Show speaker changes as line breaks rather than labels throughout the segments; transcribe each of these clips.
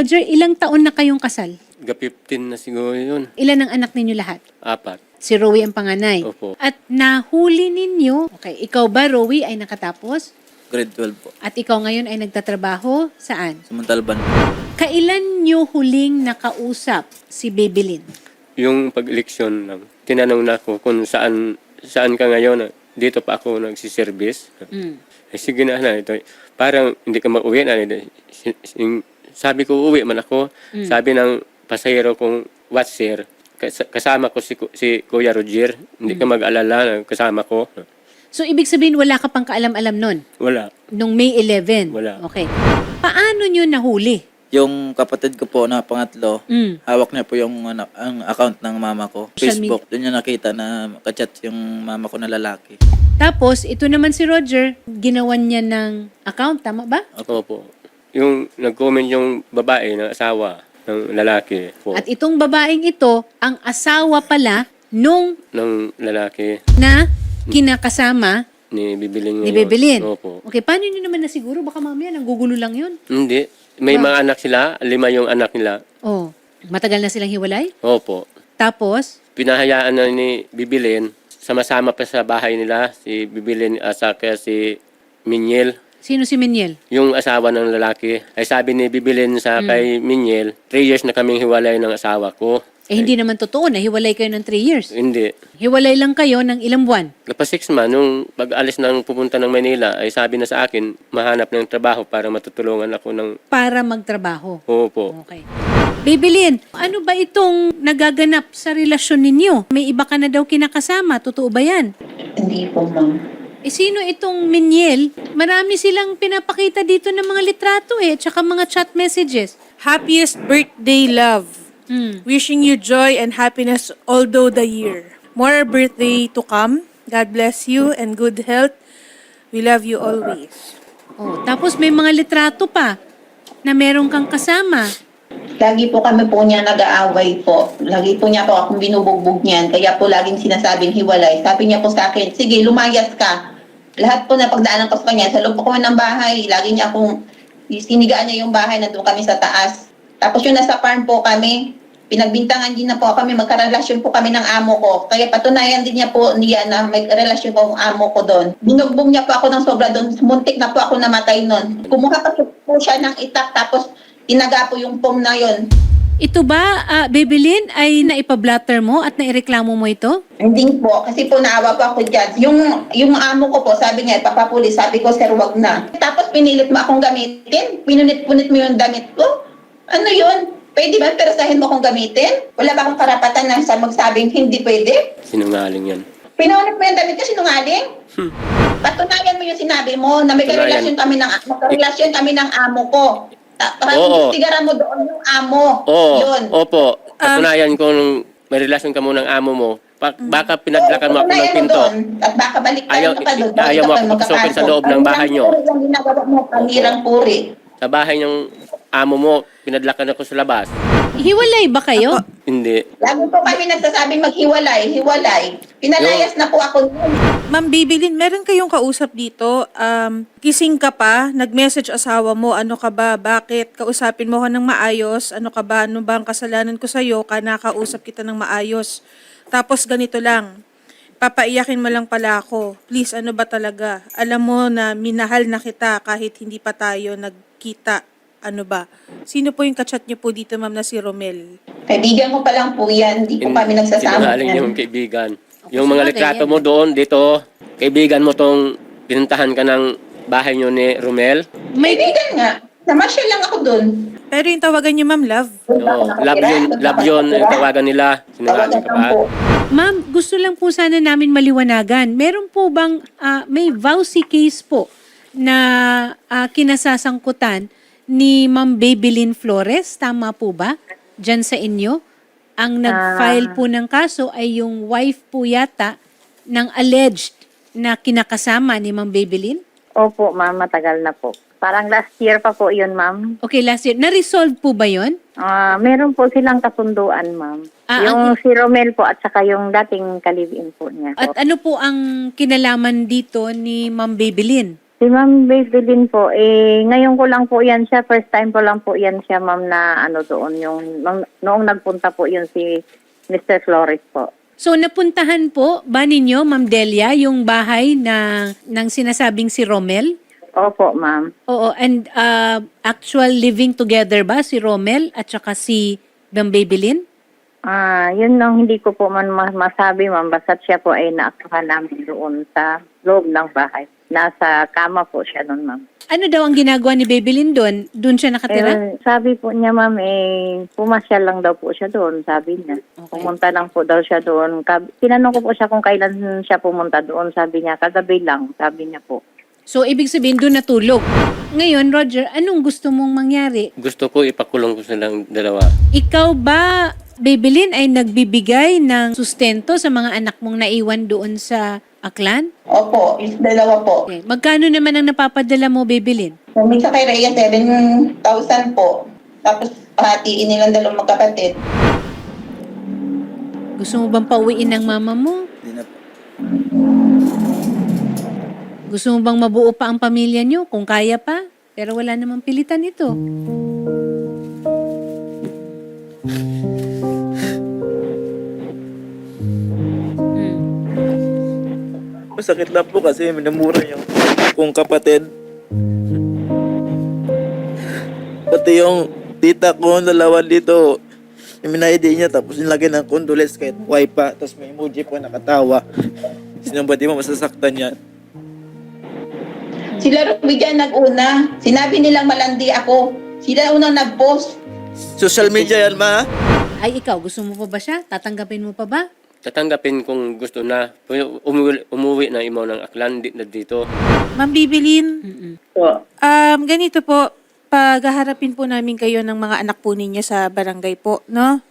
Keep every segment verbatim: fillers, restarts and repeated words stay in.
Roger, ilang taon na kayong kasal?
Ga fifteen na siguro yun.
Ilan ang anak ninyo lahat?
Apat.
Si Rowie ang panganay.
Opo.
At nahuli ninyo, okay, ikaw ba, Rowie, ay nakatapos?
Grade twelve po.
At ikaw ngayon ay nagtatrabaho? Saan?
Sa Montalban.
Kailan nyo huling nakausap si Babylin?
Yung pag-eleksyon lang, tinanong na ako kung saan saan ka ngayon. Dito pa ako nagsiservice.
Mm.
Eh, sige na na ito. Parang hindi ka mag-uwi na. Si- si- Sabi ko, uwi man ako.
Mm.
Sabi ng pasahero kong watcher, kas- kasama ko si, Ku- si Kuya Roger. Hindi ka mag-alala, kasama ko.
So, ibig sabihin, wala ka pang kaalam-alam nun?
Wala.
Nung May eleventh?
Wala.
Okay. Paano nyo nahuli?
Yung kapatid ko po na pangatlo,
Mm.
hawak niya po yung ano, ang account ng mama ko.
Social
Facebook. Doon niya nakita na kachat yung mama ko na lalaki.
Tapos, ito naman si Roger, ginawan niya ng account, tama ba?
Ako po. Yung nag-comment yung babae ng asawa ng lalaki po.
At itong babaeng ito, ang asawa pala nung
ng lalaki
na kinakasama
ni Bibilin.
ni
ngayon.
Bebelin.
Opo.
Okay, paano nyo naman nasiguro? Baka mamaya nanggugulo lang yun.
Hindi. May
Wow.
mga anak sila. Lima yung anak nila.
Oh, matagal na silang hiwalay?
Opo.
Tapos,
Pinahayaan na ni Bibilin. Sama-sama pa sa bahay nila. Si Bibilin at saka si Minyel.
sino si Miniel?
Yung asawa ng lalaki. Ay sabi ni Bibilin sa
Hmm.
kay Minyel, three years na kaming hiwalay ng asawa ko.
Eh, hindi naman totoo na hiwalay kayo ng three years.
Hindi.
Hiwalay lang kayo ng ilang buwan.
Kapag six man, nung pag-alis ng pupunta ng Manila, ay sabi na sa akin, mahanap ng trabaho para matutulungan ako ng
Para magtrabaho.
opo.
Okay. Babylin, ano ba itong nagaganap sa relasyon ninyo? May iba ka na daw kinakasama. Totoo ba yan?
Hindi po, ma'am.
Eh, sino itong Miniel? Marami silang pinapakita dito ng mga litrato eh, tsaka mga chat messages.
Happiest birthday, love.
Hmm.
Wishing you joy and happiness all through the year. More birthday to come. God bless you and good health. We love you always.
Oh, tapos may mga litrato pa na meron kang kasama.
Lagi po kami po niya nag-aaway po. Lagi po niya po akong binubugbog niyan. Kaya po laging sinasabing hiwalay. Sabi niya po sa akin, sige, lumayas ka. Lahat po na pagdaanan ko sa kanya, sa loob po kami ng bahay. Lagi niya akong, sinigaan niya yung bahay, nandun kami sa taas. Tapos yung nasa farm po kami, pinagbintangan din na po kami, magkarelasyon po kami ng amo ko. Kaya patunayan din niya po niya na may relasyon ko ang amo ko doon. Binugbog niya po ako ng sobra doon. Muntik na po ako namatay noon. Kumuha pa po siya ng itak, tapos tinaga po yung pom na yon.
Ito ba, uh, Babylin, ay naipablatter mo at naireklamo mo ito?
Hindi po, kasi po naawa po ako dyan. Yung, yung amo ko po, sabi niya, papapulis, sabi ko, sir, wag na. Tapos pinilit mo akong gamitin, pinunit-punit mo yung damit ko. Ano yun? Pwede ba perasahin mo akong gamitin? Wala ba akong karapatan na sa magsabing hindi pwede?
Sinungaling yan.
Pinunit mo yung damit ko, sinungaling?
Hmm.
Patunayan mo yung sinabi mo na may karelasyon kami ng, magkarelasyon kami ng amo ko. Ta-
Oo.
Tigaran mo doon yung amo.
Oo.
Yun.
Opo. Patunayan ko nung may relasyon ka mo ng amo mo. Pa- baka pinadlakan mo ako ng
Patunayan mo
pinto.
doon. At baka balik
Ayaw-
ka pa doon.
ayaw mo ako pasukin sa loob ng bahay niyo.
Ang ginagawa mo, panirang puri.
Sa bahay ng amo mo, pinadlakan ako sa labas.
Hiwalay ba kayo?
Hindi.
Lagi po kami nagsasabing maghiwalay, hiwalay. Pinalayas na po ako.
Ma'am Babylin, meron kayong kausap dito. Um, kising ka pa, nag-message asawa mo, ano ka ba, bakit? Kausapin mo ko ng maayos, ano ka ba, ano ba ang kasalanan ko sa'yo, ka nakausap kita ng maayos. Tapos ganito lang, papaiyakin mo lang pala ako. Please, ano ba talaga? Alam mo na minahal na kita kahit hindi pa tayo nagkita. Ano ba? Sino po yung kachat niyo po dito, ma'am, na si Romel?
Kaibigan ko pa lang po yan, hindi po kami nagsasama.
Sinungaling
yan.
yung kaibigan. Yung mga
sabagay,
litrato
yan.
mo doon, dito, kaibigan mo tong pinuntahan ka ng bahay nyo ni Romel.
May,
Kaibigan nga. Namasyal lang ako doon.
Pero yung tawagan niyo, ma'am, love?
Oo, love yun, love yun, yung tawagan nila. Sinungaling ka pa.
Ma'am, gusto lang po sana namin maliwanagan. Meron po bang, ah, may vowsy case po na ah, kinasasangkutan ni Ma'am Babylin Flores? Tama po ba? Diyan sa inyo? Ang nag-file po ng kaso ay yung wife po yata ng alleged na kinakasama ni Ma'am Babylin?
Opo, ma'am. Matagal na po. Parang last year pa po yun, ma'am.
Okay, last year. Na-resolve po ba yon?
Ah, meron po silang kasunduan, ma'am.
Ah,
yung si Romel po at saka yung dating kalibin po niya.
At ano po ang kinalaman dito ni Ma'am Babylin?
Si Ma'am Maybelline po, eh, ngayon ko lang po yan siya, first time ko lang po yan siya, ma'am, na ano doon, yung, nung, noong nagpunta po yun si mister Flores po.
So napuntahan po ba ninyo, Ma'am Delia, yung bahay na ng sinasabing si Romel?
Opo, ma'am.
Oo, and uh, actual living together ba si Romel at saka si Ma'am Maybelline?
Ah, yun lang hindi ko po man ma- masabi, ma'am, basta siya po ay naaktuhan namin doon sa loob ng bahay. Nasa kama po siya doon, ma'am.
Ano daw ang ginagawa ni Maybelline doon? Doon siya nakatira?
Eh, sabi po niya, ma'am, eh, pumasyal lang daw po siya doon, sabi niya.
Okay.
Pumunta lang po daw siya doon. Kab- Tinanong ko po siya kung kailan siya pumunta doon, sabi niya, kagabi lang, sabi niya po.
So, ibig sabihin doon natulog. Ngayon, Roger, anong gusto mong mangyari?
Gusto ko ipakulong ko silang dalawa.
Ikaw ba, Maybelline, ay nagbibigay ng sustento sa mga anak mong naiwan doon sa Aklan?
Opo, is dalawa po.
Okay. Magkano naman ang napapadala mo, Maybelline?
Minsan kay Rhea, seven thousand po. Tapos hatiin nilang dalawang magkapatid.
Gusto mo bang pauwiin ng mama mo?
Hindi na po.
Gusto mo bang mabuo pa ang pamilya nyo kung kaya pa? Pero wala namang pilitan ito. Hmm.
Masakit lang po kasi minamura yung kong kapatid. Pati yung tita ko, dalawa dito, iminaydi niya tapos nilagay ng condolence kahit buhay pa. Tapos may emoji po nakatawa. Sino ba di mo masasaktan yan?
Sila Ruby dyan nag-una. Sinabi nilang malandi ako. Sila unang nag-post.
Social media yan, ma.
Ay, ikaw, gusto mo pa ba siya? Tatanggapin mo pa ba?
Tatanggapin kung gusto na. Umuwi, umuwi na imo ng Aklan di na dito.
Ma'am Maybelline,
Mm-mm.
Po.
um, ganito po, paghaharapin po namin kayo ng mga anak po ninyo sa barangay po, no?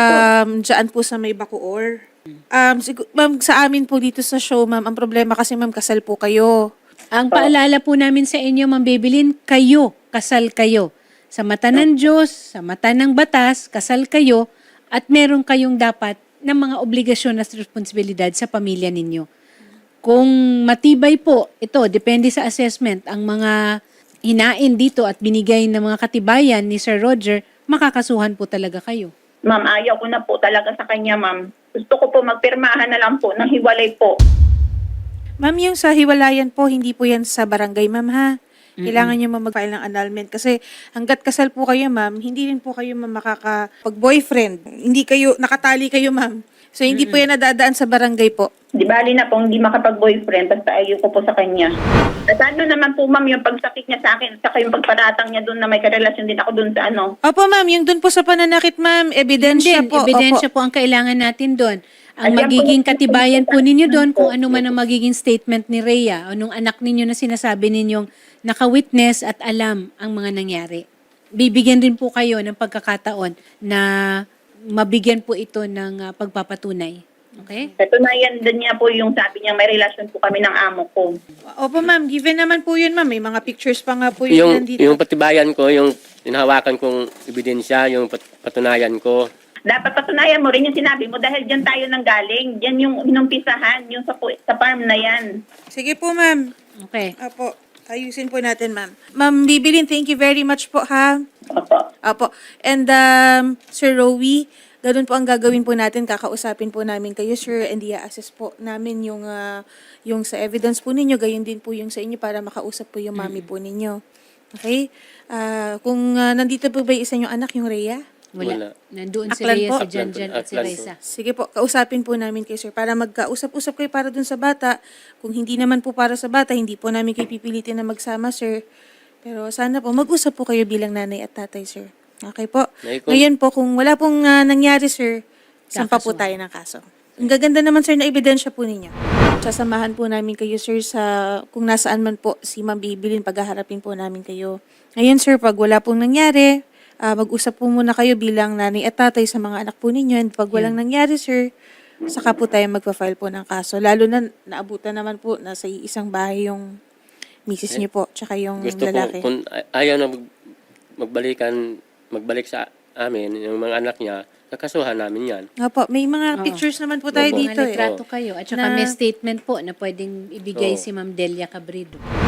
Um, diyan po sa may Bacoor. Um, sigu- ma'am, sa amin po dito sa show, ma'am, ang problema kasi ma'am, kasal po kayo.
Ang paalala po namin sa inyo, Ma'am Maybelline, kayo, kasal kayo. Sa mata ng Diyos, sa mata ng batas, kasal kayo at meron kayong dapat ng mga obligasyon at responsibilidad sa pamilya ninyo. Kung matibay po, ito, depende sa assessment, ang mga hinain dito at binigay ng mga katibayan ni Sir Roger, makakasuhan po talaga kayo.
Ma'am, ayaw ko na po talaga sa kanya, ma'am. Gusto ko po magpirmahan na lang po ng hiwalay po.
Ma'am, yung sa hiwalayan po, hindi po yan sa barangay, ma'am, ha? Kailangan nyo ma'am mag-file ng annulment. Kasi hanggat kasal po kayo, ma'am, hindi rin po kayo ma'am makakapag-boyfriend. Hindi kayo, nakatali kayo, ma'am. So, hindi po yan nadadaan sa barangay po.
Di bali na po, hindi makapag-boyfriend, basta ayaw ko po sa kanya. At ano naman po, ma'am, yung pagsakit niya sa akin, saka yung pagparatang niya doon na may karelasyon din ako doon sa ano.
Opo, ma'am, yung dun po sa pananakit, ma'am, ebidensya
Din,
po.
ebidensya
Opo.
po ang kailangan natin doon. Ang
Ayan po
magiging
yung-
katibayan po ninyo doon kung ano man ang magiging statement ni Rhea o nung anak ninyo na sinasabi ninyong naka-witness at alam ang mga nangyari. Bibigyan rin po kayo ng pagkakataon na mabigyan po ito ng ah, pagpapatunay. Okay?
Katunayan din niya po yung sabi niya, may relasyon po kami ng amo ko.
Opo, ma'am, given naman po yun, ma'am. May mga pictures pa nga po yun
Yung,
nandito.
yung patibayan ko, yung hinahawakan kong ebidensya, yung pat- patunayan ko.
Dapat patunayan mo rin yung sinabi mo dahil dyan tayo nang galing. Dyan yung inumpisahan, yung sa, pu- sa farm na yan.
Sige po, ma'am.
Okay.
Opo, ayusin po natin, ma'am. Ma'am Maybelline, thank you very much po, ha?
Opo.
Opo. And um, Sir Rowie, ganun po ang gagawin po natin. Kakausapin po namin kayo, sir, and i-assess po namin yung, ah, yung sa evidence po ninyo. Gayon din po yung sa inyo para makausap po yung mami po ninyo. Okay? Ah, kung ah, nandito po ba yung isa yung anak, yung Rhea?
Wala.
Wala.
Nandoon si
Aklan
Rhea,
po.
si Janjan at si
Aklan po.
Reza.
Sige po, kausapin po namin kayo, sir, para magkausap-usap kayo para dun sa bata. Kung hindi naman po para sa bata, hindi po namin kayo pipilitin na magsama, sir. Pero sana po, mag-usap po kayo bilang nanay at tatay, sir. Okay po?
Nay, kung-
Ngayon po, kung wala pong ah, nangyari, sir, sampa po
Kakasuhan.
tayo ng kaso. Ang gaganda naman, sir, na ebidensya po ninyo. Sasamahan po namin kayo, sir, sa kung nasaan man po si Ma'am Maybelline, paghaharapin po namin kayo. Ngayon, sir, pag wala pong nangyari, ah, mag-usap po muna kayo bilang nanay at tatay sa mga anak po ninyo. And pag walang nangyari, sir, saka po tayo magpa-file po ng kaso. Lalo na naabutan naman po na sa isang bahay yung misis niyo po, tsaka yung
Gusto ko,
lalaki.
kung ay- ayaw na mag, magbalikan, magbalik sa amin, yung mga anak niya, kakasuhan namin yan.
Opo, may mga
Oo.
pictures naman po tayo
Opo.
dito
Mga
eh.
litrato kayo. At saka
Na-
may statement po na pwedeng ibigay
Oo.
si Ma'am Delia Cabrido.